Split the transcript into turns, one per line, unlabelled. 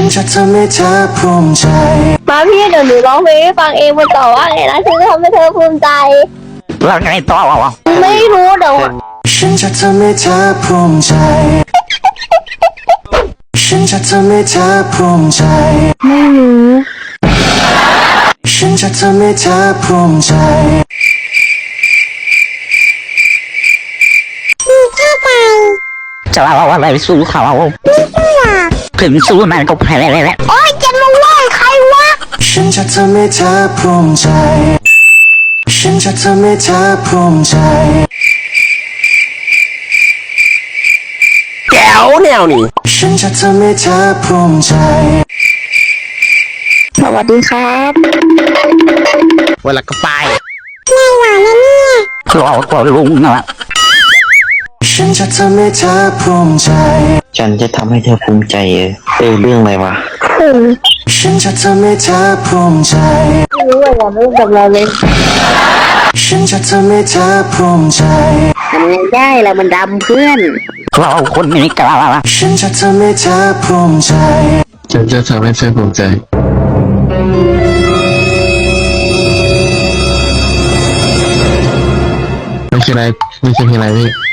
ฉันจะทำให้เธอภูมิใจ
มาพี่เดี๋ยวหนูร้องเพลงให้ฟังเองมันต่อว่าไงนะฉันจะทำให้เธอภูมิใจ
แล้วไงต่อวะ
ไม่รู้เดี๋ยว
ฉันจะทำให้เธอภูมิใจฉันจะทำให้เธอภูมิใจ
ไม่รู้
ฉันจะทำให้เธอภูมิใจ
จะเอาอะไรสู้เขาถึงสู้มันก็แพ้แล้ว
โอ๊ยจะมาว่าใครวะ
ฉันจะทำให้เธอภูมิใจฉันจะทำให้เธอภูมิใจ
แก้วแนวนี่
ฉันจะทำให้เธอภูมิใจ
สวัสดีครับ
เวลาก็ไป
ไม่หวานนะเนี่ย
เราก็ลุงนะ
ฉันจะทำให้เธอภูมิใจ
ฉันจะทำให้เธอภูมิใจเรื่องอะไรวะ
ฉันจะทำให้เธอภูมิใจ
ไม่รู้ว่าไม่รู้กับเราเลย
ฉันจะทำให้เธอภูมิใจ
ทำไงได้ล่ะมันดำเพื่อน
เราคนนี้กล้า
ฉันจะทำให้เธอภูมิใจ
ฉันจะทำให้เธอภูมิใจไม่ใช่อะไรพี่